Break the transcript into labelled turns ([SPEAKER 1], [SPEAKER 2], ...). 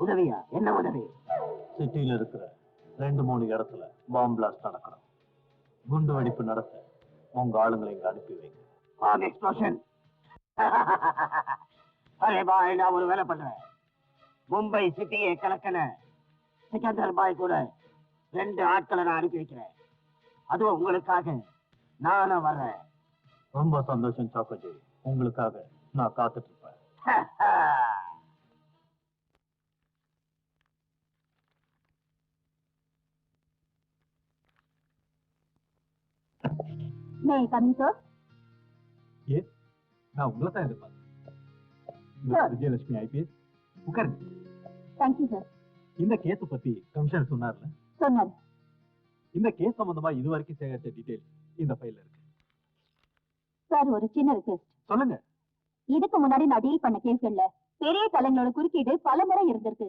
[SPEAKER 1] உதவியா? என்ன உதவி?
[SPEAKER 2] சிட்டியில இருக்கிற 2-3 இடத்துல பாம்பு பிளாஸ்ட் நடக்கணும். குண்டு வெடிப்பு நடத்த உங்க ஆளுங்களை இங்க அனுப்பி வைங்க.
[SPEAKER 1] Bomb explosion. அரே பாய், நான் ஒரு வேலை பண்றேன். மும்பை சிட்டியை கலக்கன சிக்கந்தர் பாய் கூட 2 ஆட்களை நான் அனுப்பி வைக்கிறேன். அதுவும் உங்களுக்காக நானும் வர்றேன்.
[SPEAKER 2] ரொம்ப சந்தோஷம் சாக்கோஜி. உங்களுக்காக நான் காத்துட்டு இருப்பேன்.
[SPEAKER 3] May I come in, sir?
[SPEAKER 2] Yes, நான் உங்களை தான் எதிர்பார்த்தேன். விஜயலட்சுமி ஐபிஎஸ், உட்காருங்க.
[SPEAKER 3] Thank you, sir.
[SPEAKER 2] இந்த கேஸ் பத்தி கமிஷனர் சொன்னார்ல?
[SPEAKER 3] சொன்னார்.
[SPEAKER 2] இந்த கேஸ் சம்பந்தமா இதுவரைக்கும் சேகரிச்ச டீடைல் இந்த ஃபைல்ல இருக்கு.
[SPEAKER 3] சார், ஒரு சின்ன ரிக்வெஸ்ட்.
[SPEAKER 2] சொல்லுங்க.
[SPEAKER 3] இதுக்கு முன்னாடி நான் டீல் பண்ண கேஸ்கள்ல பெரிய தலைங்களோட குறுக்கீடு பல முறை இருந்திருக்கு.